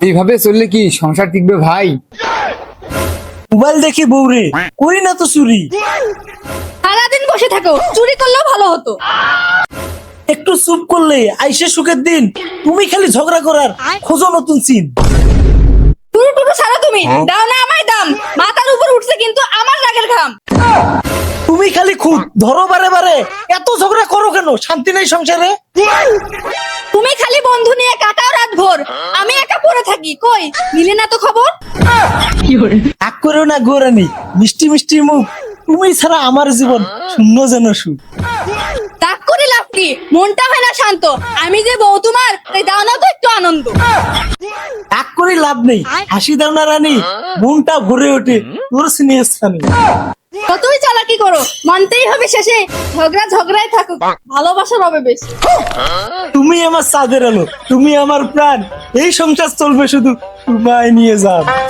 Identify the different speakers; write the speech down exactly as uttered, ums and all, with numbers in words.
Speaker 1: এইভাবে চললে কি সংসার টিকবে ভাই?
Speaker 2: মোবাইল দেখি বউরে, করি না তো চুরি।
Speaker 3: সারাদিন বসে থাকো, চুরি করলেও ভালো হতো।
Speaker 2: একটু চুপ করলে আইসে সুখের দিন, তুমি খালি ঝগড়া করার খোঁজো নতুন চিন।
Speaker 3: টুরু টুরু ছাড়ো তুমি, দাও না আমায় দাম। মাথার উপর উঠছে কিন্তু আমার রাগের ঘাম।
Speaker 2: তুমি খালি খুব ধরো বারে বারে, এত ঝগড়া করো কেন? শান্তি নেই সংসারে?
Speaker 3: তুমি খালি বন্ধু নিয়ে কাটাও রাত ভোর, আমি একা পড়ে থাকি, কই মিলে না তো খবর।
Speaker 2: রাগ করো না গোরানি, মিষ্টি মিষ্টি মুখ, তুমি ছাড়া আমার জীবন শূন্য যেন সুখ।
Speaker 3: রাগ করে লাভ কি, মনটা হয় না শান্ত। আমি যে বউ তোমার, তাই দাও না তো একটু আনন্দ।
Speaker 2: রাগ করে লাভ নেই, হাসি দাও না রানী, মনটা ভরে ওঠে তোর স্নেহ স্থানে।
Speaker 3: কতই চালাকি করো, মানতেই হবে শেষে। ঝগড়া ঝগড়াই থাকুক, ভালোবাসা রবে বেশি।
Speaker 2: তুমি আমার চাঁদের আলো, তুমি আমার প্রাণ, এই সংসার চলবে শুধু তোমায় নিয়ে যাও।